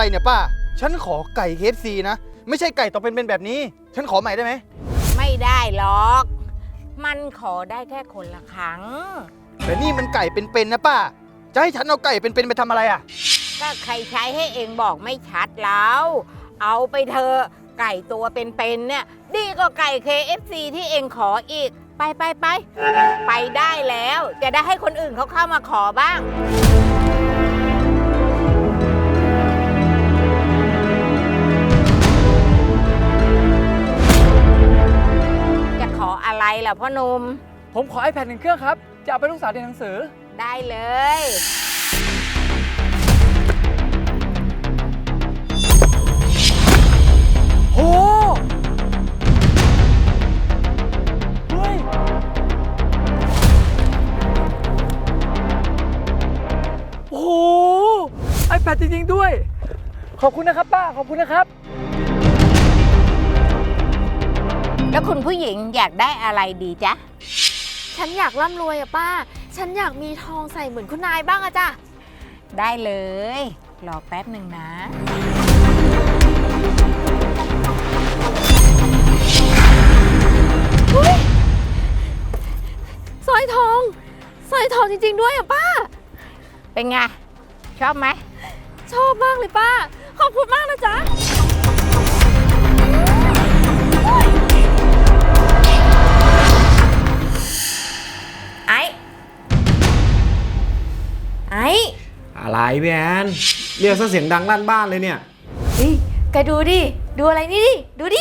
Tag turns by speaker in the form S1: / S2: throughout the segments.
S1: เนี่ยป้าฉันขอไก่ KFC นะไม่ใช่ไก่ต่อเป็นแบบนี้ฉันขอใหม่ได้ไหม
S2: ไม่ได้หรอก มันขอได้แค่คนละครั้ง
S1: แต่นี่มันไก่เป็นนะป้าจะให้ฉันเอาไก่เป็นไปทำอะไรอ่ะ
S2: ก็ใครใช้ให้เองบอกไม่ชัดแล้วเอาไปเถอะไก่ตัวเป็นเนี่ยดีกว่าไก่ KFC ที่เองขออีกไปได้แล้วจะได้ให้คนอื่นเขาเข้ามาขอบ้างจะขออะไรล่ะพ่อหนุ่ม
S3: ผมขอ iPad 1 เครื่องครับจะเอาไปลูกสาวเรียนหนังสือ
S2: ได้เลย
S3: โหเฮ้ยโอ้โห iPad จริงๆด้วยขอบคุณนะครับป้าขอบคุณนะครับ
S2: แล้วคุณผู้หญิงอยากได้อะไรดีจ๊ะ
S4: ฉันอยากร่ำรวยอะป้าฉันอยากมีทองใส่เหมือนคุณนายบ้างอะจ้ะ
S2: ได้เลยรอแป๊บหนึ่งนะ
S4: สร้อยทองจริงๆด้วยอะป้า
S2: เป็นไงชอบไหม
S4: ชอบมากเลยป้าขอบคุณมากนะจ๊ะไอ้
S5: อะไรพี่แอนเรียกซะเสียงดังลั่นบ้านเลยเนี่ย
S4: เฮ้ยแกดูดิดูอะไรนี่ดิดูดิ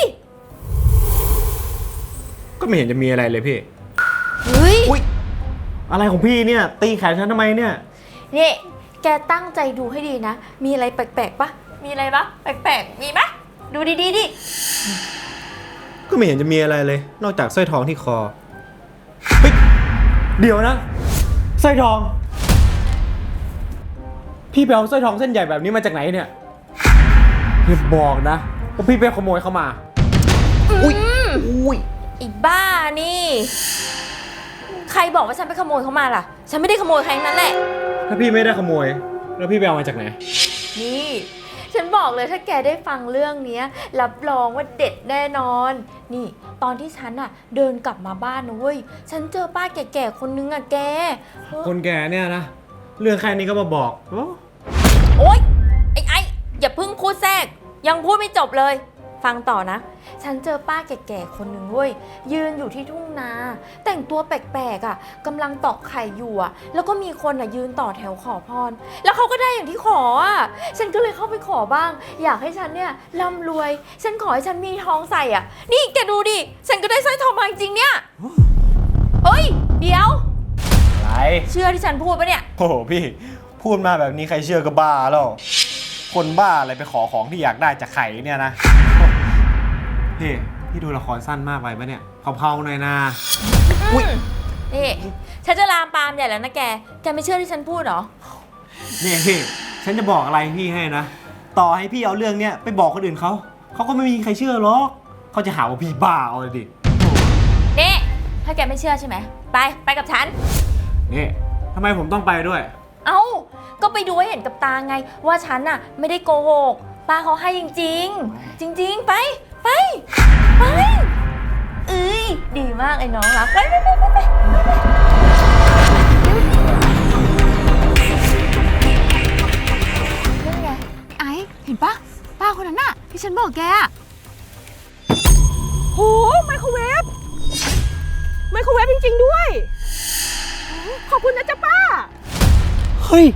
S5: ก็ไม่เห็นจะมีอะไรเลยพี่
S4: เฮ้ย
S5: อุ๊ยอะไรของพี่เนี่ยตีแขนฉันทำไมเนี่ย
S4: นี่แกตั้งใจดูให้ดีนะมีอะไรแปลกๆปะมีอะไรปะแปลกๆมีปะดูดีดิ
S5: ก็ไม่เห็นจะมีอะไรเลยนอกจากสร้อยทองที่คอเฮ้ยเดี๋ยวนะสร้อยทองพี่ไปเอาสร้อยทองเส้นใหญ่แบบนี้มาจากไหนเนี่ยอย่าบอกนะว่าพี่ไปขโมยเข้ามา
S4: อุ้ยอีบ้านี่ใครบอกว่าฉันไปขโมยเขามาล่ะฉันไม่ได้ขโมยใครทั้งนั้นแหละ
S5: ถ้าพี่ไม่ได้ขโมยแล้วพี่ไปเอามาจากไหน
S4: นี่ฉันบอกเลยถ้าแกได้ฟังเรื่องนี้รับรองว่าเด็ดแน่นอนนี่ตอนที่ฉันอะเดินกลับมาบ้านนะเว้ยฉันเจอป้าแก่ๆคนนึงอะแก
S5: คนแก่เนี่ยนะเรื่องแค่นี้ก็มาบอก
S4: โอ๊ยไอ้อย่าเพิ่งพูดแทรกยังพูดไม่จบเลยฟังต่อนะฉันเจอป้าแก่ๆคนหนึ่งเว้ยยืนอยู่ที่ทุ่งนาแต่งตัวแปลกๆอ่ะกำลังตอกไข่อยู่อ่ะแล้วก็มีคนอ่ะยืนต่อแถวขอพรแล้วเขาก็ได้อย่างที่ขออ่ะฉันก็เลยเข้าไปขอบ้างอยากให้ฉันเนี่ยร่ำรวยฉันขอให้ฉันมีทองใส่อ่ะนี่แกดูดิฉันก็ได้สร้อยทองมาจริงเนี่ยเฮ้ยเดี๋ยว
S5: อะไร
S4: เชื่อที่ฉันพูดปะเนี่ย
S5: โอ้โหพี่พูดมาแบบนี้ใครเชื่อก็บ้าแล้วคนบ้าอะไรไปขอของที่อยากได้จากไข่เนี่ยนะพี่ดูละครสั้นมากไปปะเนี่ยเผาๆหน่อยนะ
S4: อุ้ยนี่ฉันจะลามปามใหญ่แล้วนะแกไม่เชื่อที่ฉันพูดหรอ
S5: นี่พี่ฉันจะบอกอะไรพี่ให้นะต่อให้พี่เอาเรื่องเนี้ยไปบอกคนอื่นเขาก็ไม่มีใครเชื่อหรอกเขาจะหาว่าพี่บ้าเอาเลยดิ
S4: นี่ถ้าแกไม่เชื่อใช่ไหมไปกับฉัน
S5: นี่ทำไมผมต้องไปด้วย
S4: เอ้าก็ไปดูให้เห็นกับตาไงว่าฉันน่ะไม่ได้โกหกป้าเขาให้จริงๆจริงๆไปเอ้ยดีมากไอ้น้องรักไปนั่นไงไอ้เห็นปะป้าคนนั้นน่ะที่ฉันบอกแกอะ
S3: โหไมโครเวฟจริงๆด้วยขอบคุณนะจ๊ะป้า
S5: เฮ้ย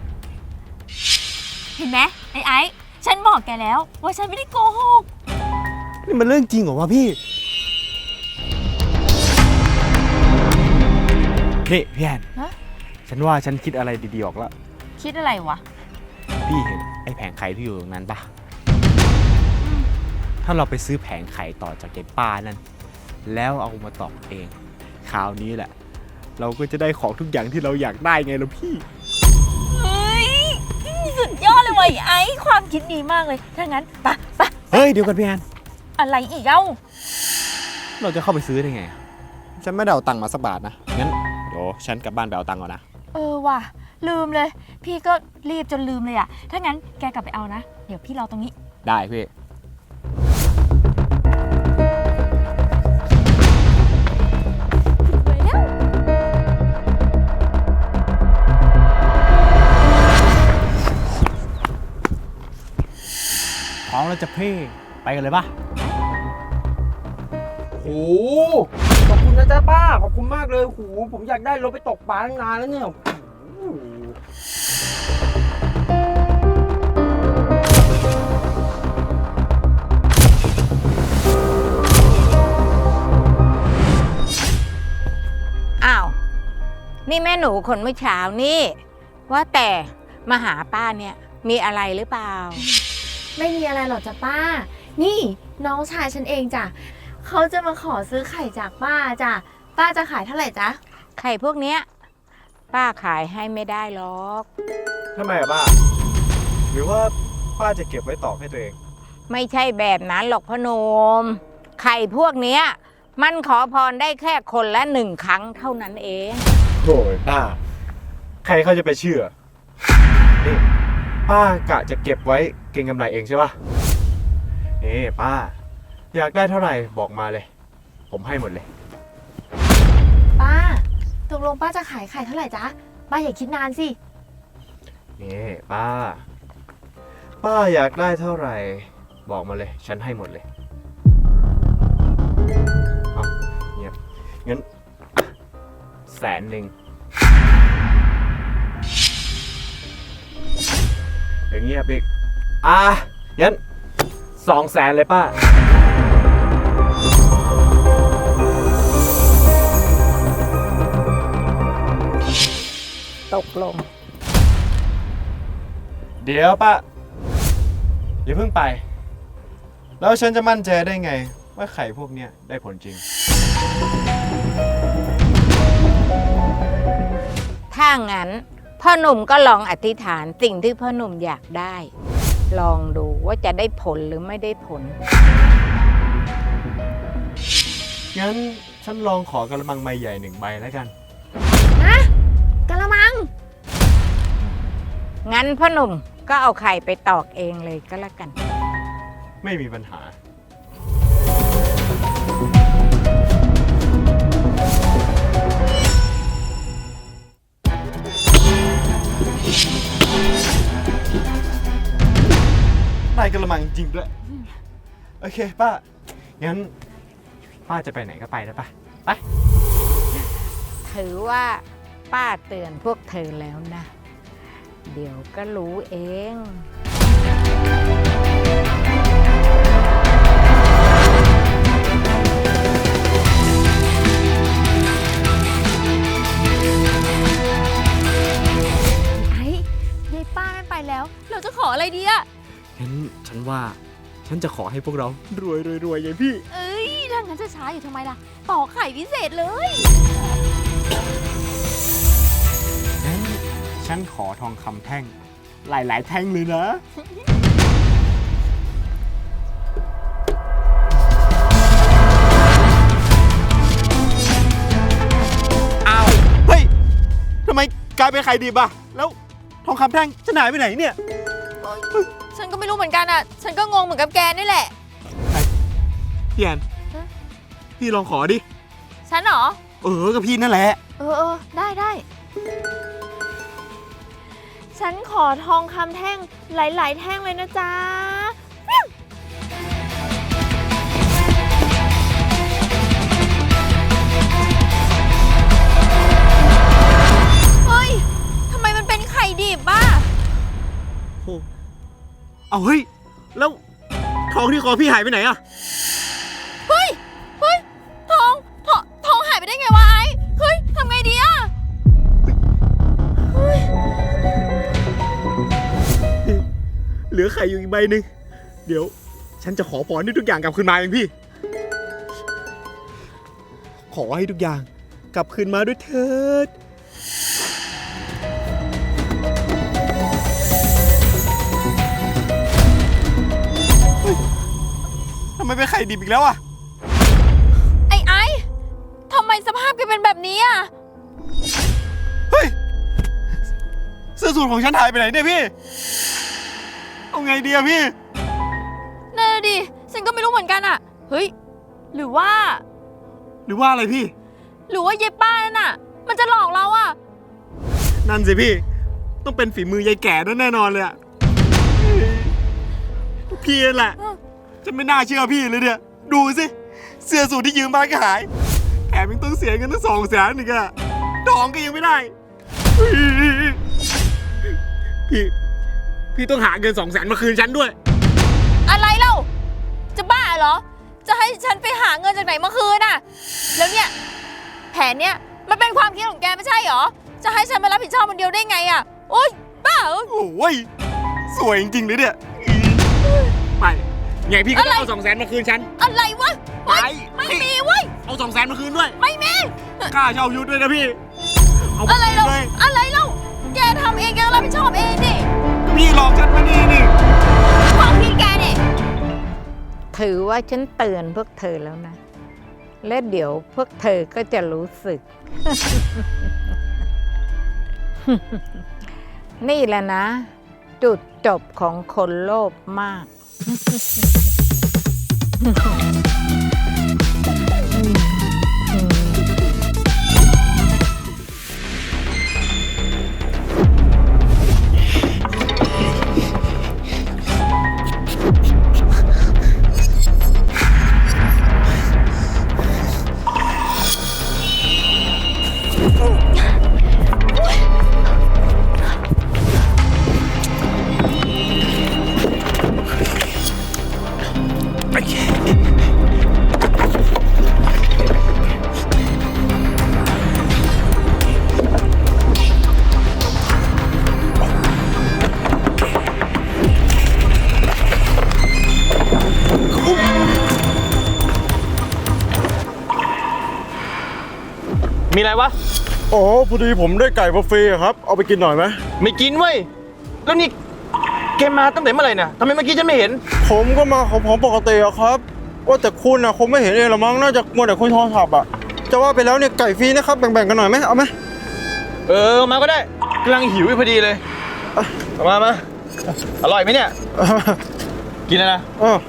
S4: เห็นไหมไอ้ฉันบอกแกแล้วว่าฉันไม่ได้โกหก
S5: นี่มันเรื่องจริงเหรอวะพี่พี่แอนฉันว่าฉันคิดอะไรดีๆออกแล้ว
S4: คิดอะไรวะ
S5: พี่เห็นไอ้แผงไข่ที่อยู่ตรงนั้นปะถ้าเราไปซื้อแผงไข่ต่อจากยายป้านั่นแล้วเอามาตอกเองคราวนี้แหละเราก็จะได้ของทุกอย่างที่เราอยากได้ไงล่ะพี่
S4: เฮ้ยสุดยอดเลยว่ะไอ้ความคิดดีมากเลยถ้างั้นไป
S5: เฮ้ยเดี๋ยวกันพี่แอน
S4: อะไรอีกเอ้า
S5: เราจะเข้าไปซื้อได้ไงฉันไม่ได้เอาตังค์มาสักบาทนะงั้นเดี๋ยวฉันกลับบ้านไปเอาตังค์ก่อนนะ
S4: ว่ะลืมเลยพี่ก็รีบจนลืมเลยอ่ะถ้างั้นแกกลับไปเอานะเดี๋ยวพี่รอตรงนี้
S5: ได้พี่
S4: ไปแล้ว
S5: พร้อมแล้วจะเพ่ไปกันเลยปะ
S6: โอ้ขอบคุณนะจ๊ะป้า ขอบคุณมากเลยโหผมอยากได้รถไปตกปลาตั้งนานแล้วเนี่ยโอ้โห
S2: อ้าว นี่แม่หนูคนเมื่อเช้านี่ ว่าแต่มาหาป้าเนี่ยมีอะไรหรือเปล่า
S4: ไม่มีอะไรหรอกจ้ะป้า นี่น้องชายฉันเองจ้ะเขาจะมาขอซื้อไข่จากป้าจ้ะ ป้าจะขายเท่าไหร่จ๊ะ
S2: ไข่พวกเนี้ยป้าขายให้ไม่ได้หรอก
S5: ทำไมอะป้า หรือว่าป้าจะเก็บไว้ตอกให้ตัวเอง
S2: ไม่ใช่แบบนั้นหรอกพ่อหนุ่มไข่พวกเนี้ยมันขอพรได้แค่คนละ1 ครั้งเท่านั้นเอง
S5: โถ่ป้า ใครเขาจะไปเชื่อ นี่ป้ากะจะเก็บไว้เก็งกำไรเองใช่ปะนี่ป้า อยากได้เท่าไหร่บอกมาเลย ผมให้หมดเลย
S4: ป้า ตกลงป้าจะขายไข่เท่าไหร่จ๊ะ ป้าอย่าคิดนานสิ
S5: นี่ป้า ป้าอยากได้เท่าไหร่ บอกมาเลย ฉันให้หมดเลยเอาเนี่ยงั้น100,000อย่างเงี้ยบิ๊กงั้น200,000เลยป้า
S2: ตกลง
S5: เดี๋ยวป้าอย่าเพิ่งไป แล้วฉันจะมั่นใจได้ไง ว่าไข่พวกเนี้ยได้ผลจริง
S2: ถ้างั้นพ่อหนุ่มก็ลองอธิษฐานสิ่งที่พ่อหนุ่มอยากได้ ลองดูว่าจะได้ผลหรือไม่ได้ผล
S5: งั้นฉันลองขอกระมังใบใหญ่1 ใบแล้วกัน
S4: กะละมัง
S2: งั้นพ่อหนุ่มก็เอาไข่ไปตอกเองเลยก็แล้วกัน
S5: ไม่มีปัญหา ได้กระมังจริงด้วย โอเคป้า งั้น ป้าจะไปไหนก็ไปนะป้าไป
S2: ถือว่าป้าเตือนพวกเธอแล้วนะ เดี๋ยวก็รู้เอง
S4: ไอ้ยายป้านั่นไปแล้ว เราจะขออะไรดีอะ
S5: งั้นฉันว่า ฉันจะขอให้พวกเรารวยไงพี่
S4: เอ้ยถ้างั้นจะช้าอยู่ทำไมล่ะ ต่อไข่พิเศษเลย
S5: งั้นฉันขอทองคำแท่ง หลายๆแท่งเลยนะ อ้าว เฮ้ย ทำไมกลายเป็นไข่ดิบอะแล้วทองคำแท่งจะหายไปไหนเนี่ย
S4: ฉันก็ไม่รู้เหมือนกันอะฉันก็งงเหมือนกับแกนี่แหละ
S5: พี่แอน
S4: ฮะ
S5: พี่ลองขอดิ
S4: ฉันเหรอ
S5: กับพี่นั่นแหละ
S4: ได้ ฉันขอทองคำแท่งหลาย ๆ แท่งเลยนะจ๊ะ เฮ้ย ทำไมมันเป็นไข่ดิบบ้า
S5: เอาเฮ้ย แล้วทองที่คอพี่หายไปไหนอะ
S4: เฮ้ย ทองหายไปได้ไงวะไอ้ เฮ้ย ทำไงดีอะ
S5: เหลือไข่อยู่อีกใบหนึ่งเดี๋ยว ฉันจะขอพรให้ทุกอย่างกลับคืนมาเองพี่ ขอให้ทุกอย่างกลับคืนมาด้วยเถิด ทำไมเป็นไข่ดิบอีกแล้วอะ
S4: ไอ้ทำไมสภาพแกเป็นแบบนี้อะ
S5: เฮ้ย เสื้อสูทของฉันหายไปไหนเนี่ยพี่เอาไงดีอะพี่
S4: นั่นน่ะดิ ฉันก็ไม่รู้เหมือนกันอะเฮ้ย หรือว่า
S5: หรือว่าอะไรพี่
S4: หรือว่าเย้ป้านั่นน่ะ มันจะหลอกเราอะ
S5: นั่นสิพี่ ต้องเป็นฝีมือยายแก่นั่นแน่นอนเลยอะพี่นั่นแหละ ฉันไม่น่าเชื่อพี่เลยเนี่ย ดูสิ เสื้อสูทที่ยืมมาก็หาย แถมยังต้องเสียเงินตั้ง200,000อีกอะดองก็ยังไม่ได้ พี่ต้องหาเงิน200,000มาคืนฉันด้วย
S4: อะไรเล่า จะบ้าเหรอ จะให้ฉันไปหาเงินจากไหนมาคืนอะแล้วเนี่ย แผนเนี่ยมันเป็นความคิดของแกไม่ใช่เหรอ จะให้ฉันมารับผิดชอบคนเดียวได้ไงอะโอ๊ย บ้าเหรอ
S5: โอ้ย สวยจริงๆเลยเนี่ยไปไงพี่ก็ต้องเอา200,000มาคืนฉัน
S4: อะไรวะ
S5: ไป
S4: ไม่มีเว้ย
S5: เอา200,000มาคืนด้วย
S4: ไม่มี
S5: ค่าเช่ายุทธด้วยนะพี่ เอาไป
S4: อะไร
S5: คืน
S4: เล่า
S5: เลย
S4: อะไรเล่า แกทำเองแกต้องรับผิดชอบเองดิ
S5: พี่หลอกฉันมานี่
S4: ความคิดแกเนี่ย
S2: ถือว่าฉันเตือนพวกเธอแล้วนะ และเดี๋ยวพวกเธอก็จะรู้สึก นี่แหละนะ จุดจบของคนโลภมาก
S1: มีอะไรวะ
S7: อ๋อพอดีผมได้ไก่บุฟเฟ่ต์ครับ เอาไปกินหน่อยไหม
S1: ไม่กินเว้ย แล้วนี่แกมาตั้งแต่เมื่อไหร่เนี่ยทำไมเมื่อกี้ฉันไม่เห็น
S7: ผมก็มาของผมปกติอะครับ ว่าแต่คุณอะคงไม่เห็นเองหรอมั้งน่าจะมัวแต่คุยโทรศัพท์อะจะว่าไปแล้วเนี่ยไก่ฟรีนะครับแบ่งๆกันหน่อยไหมเอาไหม
S1: มาก็ได้กำลังหิวอยู่พอดีเลยเอามาอร่อยไหมเนี่ย กินแล้วนะ
S7: เออ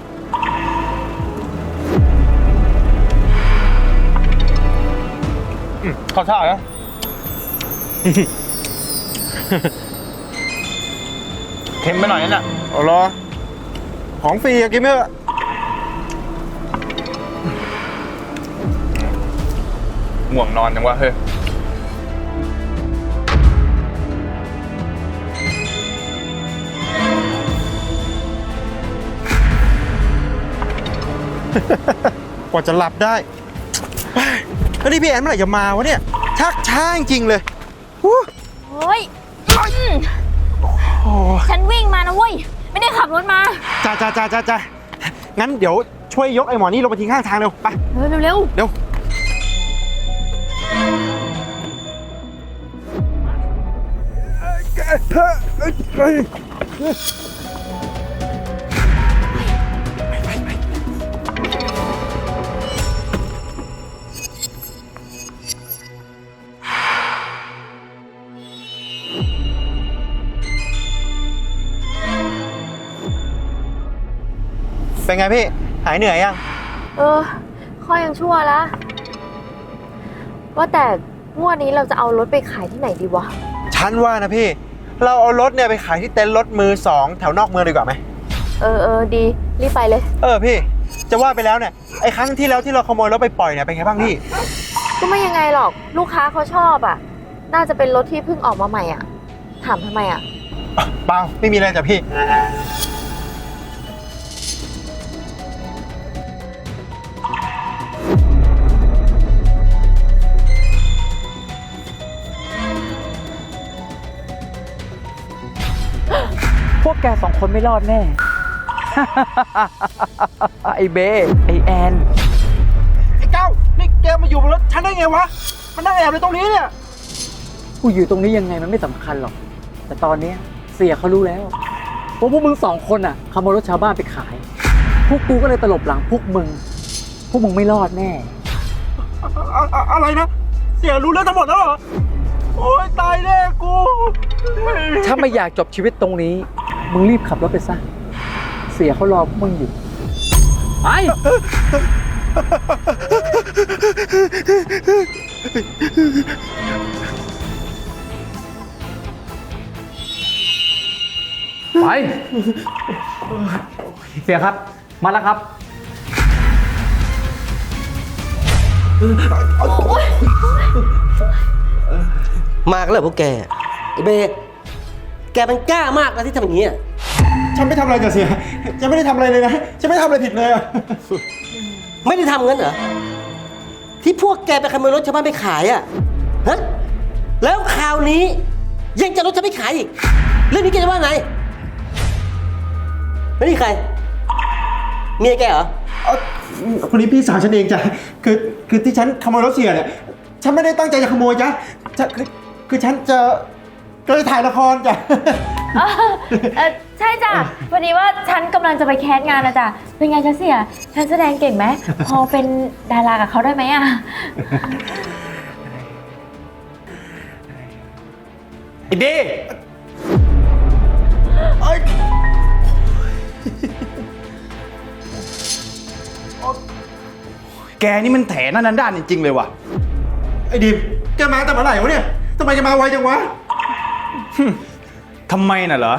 S1: ขอท่านะ เค็มไปหน่อยนั่นน่ะ
S7: เอาเหรอของฟรีอะกินไหมอะ
S1: ง่วงนอนจังวะเฮ้ย
S7: กว่าจะหลับได้แล้วนี่พี่แอนเมื่อไหร่จะมาวะเนี่ยชักช้าจริงๆเลยฮู้
S4: เฮ้ย ฉันวิ่งมานะเว้ย ไม่ได้ขับรถมา
S7: จ้างั้นเดี๋ยวช่วยยกไอ้หมอนี่ลงไปทิ้งข้างทางเร็วไป
S4: เร็ว
S7: เร็วเป็นไงพี่ หายเหนื่อยยัง
S3: ข้อยังชั่วแล้ว ว่าแต่งวดนี้เราจะเอารถไปขายที่ไหนดีวะ
S7: ฉันว่านะพี่ เราเอารถเนี่ยไปขายที่เต็นท์รถมือสองแถวนอกเมืองดีกว่าไหม
S3: ดี รีบไปเลย
S7: พี่จะว่าไปแล้วเนี่ยไอ้ครั้งที่แล้วที่เราขโมยรถไปปล่อยเนี่ยเป็นไงบ้างพี่
S3: ก็ไม่ยังไงหรอก ลูกค้าเขาชอบอ่ะ น่าจะเป็นรถที่เพิ่งออกมาใหม่อ่ะ ถามทำไมอ่ะ
S7: เปล่าไม่มีอะไรจ้ะพี่
S6: พวกแกสองคนไม่รอดแน่ ไอเบไอแอน
S7: ไอ้เก้านี่แกมาอยู่บนรถฉันได้ไงวะ มันนั่งแอบเลยตรงนี้เนี่ย
S6: กูอยู่ตรงนี้ยังไงมันไม่สำคัญหรอก แต่ตอนเนี้ยเสียเขารู้แล้วว่าพวกมึงสองคนอ่ะขโมยรถชาวบ้านไปขาย พวกกูก็เลยตลบหลังพวกมึงไม่รอดแน่
S7: อะไรนะ เสียรู้เรื่องทั้งหมดแล้วเหรอ โอ๊ยตายแน่กู
S6: ถ้าไม่อยากจบชีวิตตรงนี้ มึงรีบขับรถไปซะเสียเขารอพวกมึงอยู่ ไป ไป เสียครับ มาแล้วครับ
S8: มากแล้วพวกแกไอ้เบแกมันกล้ามากนะที่ทำอย่างนี้อะ
S7: ฉันไม่ทำอะไรกับเสียฉันไม่ได้ทำอะไรเลยนะฉันไม่ได้ทำอะไรผิดเลยอะ
S8: ไม่ได้ทำงั้นเหรอ ที่พวกแกไปขโมยรถชาวบ้านไปขายอะฮะ แล้วคราวนี้ยังจะรถฉันไปขายอีก เรื่องนี้แกจะว่าไงแล้วนี่ใคร เมียแกเหรอ
S7: คนนี้พี่สาวฉันเองจ้ะคือที่ฉันขโมยรถเสียเนี่ยฉันไม่ได้ตั้งใจจะขโมยจ้ะคือฉันจะถ่ายละครจ้ะ
S4: ใช่จ้ะพอดีว่าฉันกำลังจะไปแคสงานนะจ๊ะเป็นไงจ๊ะเสียฉันแสดงเก่งไหม พอเป็นดารากับเขาได้ไหมอะ
S1: ไอ้เบ้ แกนี่มันแถนั่นด้านจริงๆเลยว่ะ
S7: ไอ้ดิมแกมาแต่เมื่อไหร่วะเนี่ยทำไมแกมาไวจังวะ
S1: ทำไมน่ะเหรอ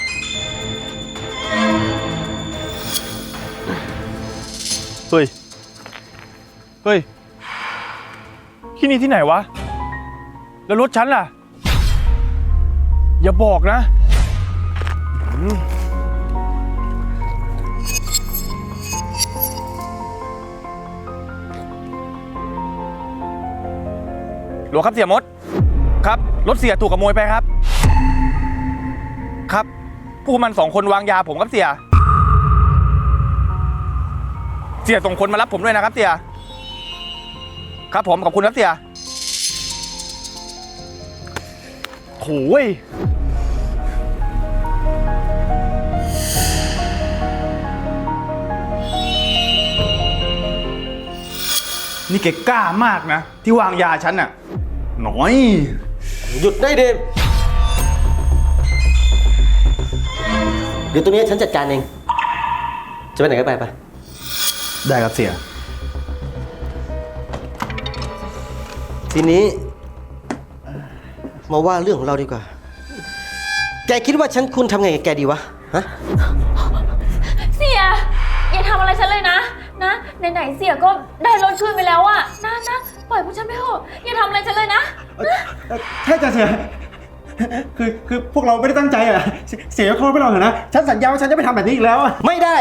S1: เฮ้ย เฮ้ย ที่นี่ที่ไหนวะ แล้วรถฉันล่ะ อย่าบอกนะ หลวงครับเสียมด ครับ รถเสียถูกขโมยไปครับ ครับพวกมัน2 คนวางยาผมครับเสีย เสียส่งคนมารับผมด้วยนะครับเสีย ครับผมขอบคุณครับเสียโอ้ยนี่แกกล้ามากนะ ที่วางยาฉันน่ะน้อย
S8: หยุดได้เดมเดี๋ยวตัวนี้ฉันจัดการเอง จะไปไหนก็ไปไป
S1: ได้ครับเสีย
S8: ทีนี้มาว่าเรื่องของเราดีกว่า แกคิดว่าฉันควรทำไงกับแกดีวะ ฮะ
S4: เสียอย่าทำอะไรฉันเลยนะไหนๆเสียก็ได้รถคืนไปแล้วอะนะปล่อยพวกฉันไปเถอะอย่าทำอะไรฉันเลยนะ
S7: ใช่จ้ะเสียคือพวกเราไม่ได้ตั้งใจอ่ะเสียเขาไปหรอกนะฉันสัญญาว่าฉันจะไม่ทำแบบนี้อีกแล้วอะ
S8: ไม่ได้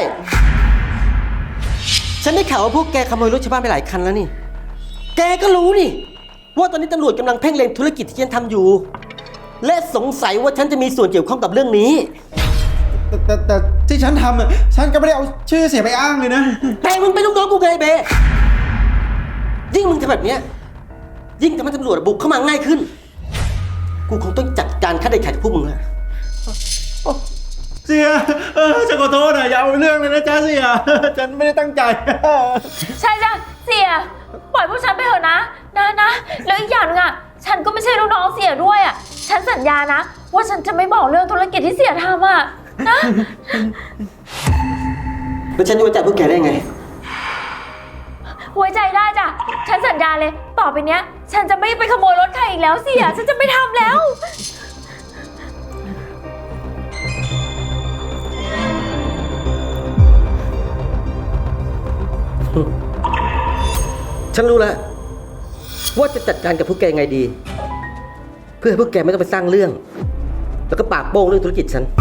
S8: ฉันได้ข่าวว่าพวกแกขโมยรถชาวบ้านไปหลายคันแล้วนี่ แกก็รู้นี่ ว่าตอนนี้ตำรวจกำลังเพ่งเล็งธุรกิจที่ฉันทำอยู่ และสงสัยว่าฉันจะมีส่วนเกี่ยวข้องกับเรื่องนี้
S7: แต่ที่ฉันทำอ่ะฉันก็ไม่ได้เอาชื่อเสียไปอ้างเลยนะ
S8: แต่มึงเป็นลูกน้องกูไงเบยิ่งมึงทำแบบเนี้ยยิ่งทำให้ตำรวจบุกเข้ามาง่ายขึ้น กูคงต้องจัดการฆ่าเด็ดขาดกับพวกมึงแล้ว
S7: เสียฉันขอโทษนะอย่าเอาเรื่องเลยนะจ๊ะเสียฉันไม่ได้ตั้งใจ
S4: ใช่จ้ะเสียปล่อยพวกฉันไปเถอะนะแล้วอีกอย่างนึงอะฉันก็ไม่ใช่ลูกน้องเสียด้วยอะฉันสัญญานะ ว่าฉันจะไม่บอกเรื่องธุรกิจที่เสียทำอะนะ
S8: แล้วฉันจะไว้ใจพวกแกได้ไง
S4: ไว้ใจได้จ้ะฉันสัญญาเลยต่อไปเนี้ย ฉันจะไม่ไปขโมยรถใครอีกแล้วเสียฉันจะไม่ทำแล้ว
S8: ฉันรู้แล้วว่าจะจัดการกับพวกแกยังไงดี เพื่อให้พวกแกไม่ต้องไปสร้างเรื่อง แล้วก็ปากโป้งเรื่องธุรกิจฉัน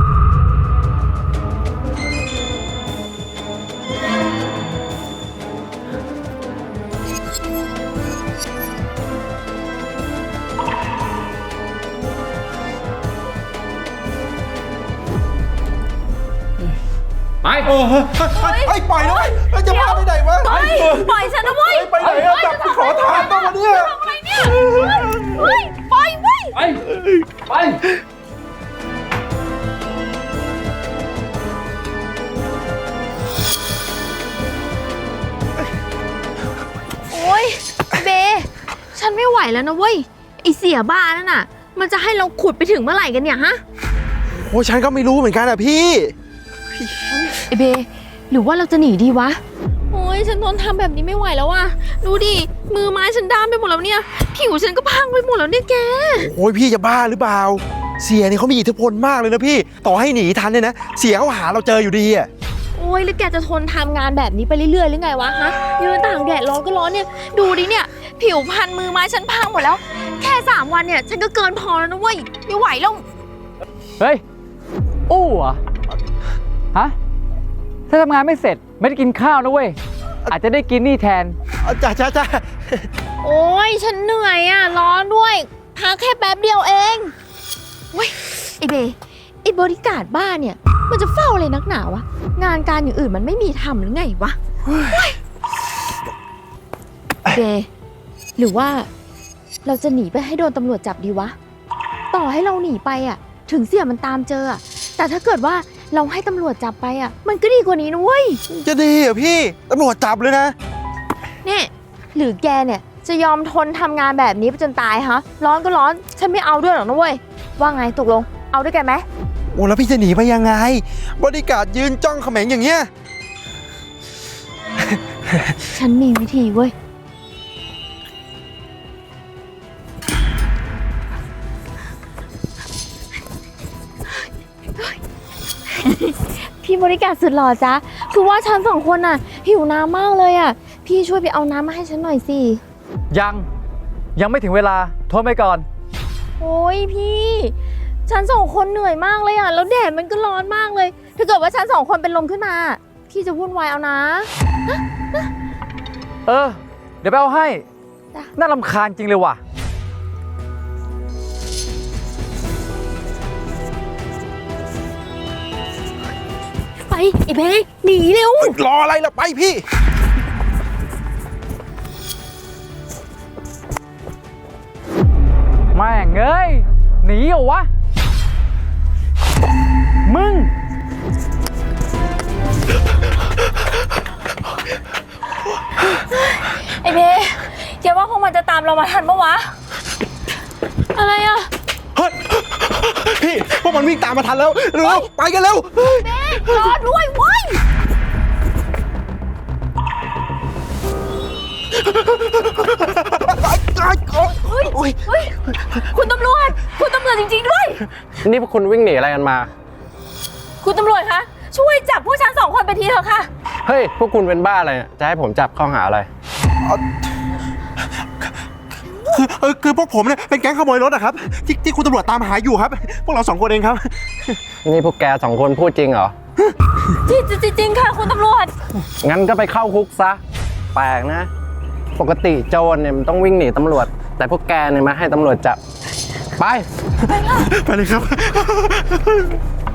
S1: ไป
S7: ไอ้ปล่อยนะเว้ยจะพาไปไหนวะ
S4: ปล่อยฉันนะเว้ย
S7: ไปไหนอะจับไปขอทานต้องมาเนี่ย
S4: ทำอะไรเนี่ยเฮ้ยปล่อยเว้ย
S1: ไป
S9: โอ๊ยเบ ฉันไม่ไหวแล้วนะเว้ย ไอเสียบ้านั่นน่ะ มันจะให้เราขุดไปถึงเมื่อไหร่กันเนี่ยฮะ
S7: โอ้ฉันก็ไม่รู้เหมือนกันอะพี่
S9: ไอเบหรือว่าเราจะหนีดีวะ โอ้ยฉันทนทำแบบนี้ไม่ไหวแล้วว่ะ ดูดิ มือไม้ฉันด้ามไปหมดแล้วเนี่ย ผิวฉันก็พังไปหมดแล้วเนี่ยแก
S7: โอ้ยพี่จะบ้าหรือเปล่า เสียนี่เขามีอิทธิพลมากเลยนะพี่ ต่อให้หนีทันเนี่ยนะ เสียเขาหาเราเจออยู่ดีอ่ะ
S9: โอ้ยแล้วแกจะทนทำงานแบบนี้ไปเรื่อยๆหรือไงวะฮะยืนตากแดดร้อนก็ร้อนเนี่ย ดูดิเนี่ย ผิวพันมือไม้ฉันพังหมดแล้ว แค่3 วันเนี่ยฉันก็เกินพอแล้วนะเว้ย ไม่ไหวแล้ว
S6: เฮ้ย อู้เหรอฮะ ถ้าทำงานไม่เสร็จไม่ได้กินข้าวนะเว้ย อาจจะได้กินนี่แทน
S7: จ้า
S9: โอ้ยฉันเหนื่อยอ่ะ ร้อนด้วย พักแค่แป๊บเดียวเองโอ้ยไอเบไอบริการดบ้านเนี่ย มันจะเฝ้าอะไรนักหนาวะ งานการอย่างอื่นมันไม่มีทำหรือไงวะโอ้ยเบหรือว่าเราจะหนีไปให้โดนตำรวจจับดีวะ ต่อให้เราหนีไปอ่ะ ถึงเสี่ยมันตามเจออะแต่ถ้าเกิดว่าเราให้ตำรวจจับไปอ่ะ มันก็ดีกว่านี้นะเว้ย
S7: จะดีเหรอพี่ ตำรวจจับเลยนะ
S9: นี่หรือแกเนี่ยจะยอมทนทำงานแบบนี้ไปจนตายฮะ ร้อนก็ร้อน ฉันไม่เอาด้วยหรอกนะเว้ย ว่าไงตกลง เอาด้วยกันไหม
S7: โอ้แล้วพี่จะหนีไปยังไง บริการดยืนจ้องเขม็งอย่างเงี้ย
S9: ฉันมีวิธีเว้ย พี่บริการสุดหล่อจ๊ะ คือว่าฉัน2 คนน่ะหิวน้ำมากเลยอ่ะ พี่ช่วยไปเอาน้ำมาให้ฉันหน่อยสิ
S6: ยังไม่ถึงเวลา โทษไปก่อน
S9: โอ้ยพี่ ฉัน2 คนเหนื่อยมากเลยอ่ะ แล้วแดดมันก็ร้อนมากเลย ถ้าเกิดว่าฉัน2 คนเป็นลมขึ้นมา พี่จะวุ่นวายเอานะ
S6: เออ เดี๋ยวไปเอาให้
S9: จ้ะ
S6: น่ารำคาญจริงเลยว่ะ
S9: ไปไอ้เบหนีเร็ว
S7: รออะไรล่ะไปพี่
S6: แม่งเอ้ย หนีเหรอวะ มึง
S4: ไอเบแกว่าพวกมันจะตามเรามาทันปะวะ
S9: อะไรอ่ะ
S7: เฮ้ย พี่ พวกมันวิ่งตามมาทันแล้วเร็วไปกันเร็ว
S9: รอด้วยเว้ย
S7: โอ้ย
S4: เฮ้ย คุณตำรวจ คุณตำรวจจริงๆด้วย
S5: นี่พวกคุณวิ่งหนีอะไรกันมา
S4: คุณตำรวจคะ ช่วยจับพวกฉัน2 คนไปทีเถอะค่ะ
S5: เฮ้ย พวกคุณเป็นบ้าอะไรเนี่ยจะให้ผมจับข้อหาอะไร
S7: คือพวกผมเนี่ยเป็นแก๊งขโมยรถอะครับที่คุณตำรวจตามหาอยู่ครับ พวกเรา2 คนเองครับ
S5: นี่พวกแก2 คนพูดจริงเหรอ
S4: จริงค่ะ คุณตำรวจ
S5: งั้นก็ไปเข้าคุกซะ แปลกนะ ปกติโจรเนี่ยมันต้องวิ่งหนีตำรวจ แต่พวกแกเนี่ยมาให้ตำรวจจับ ไป
S7: ไปเลยครับ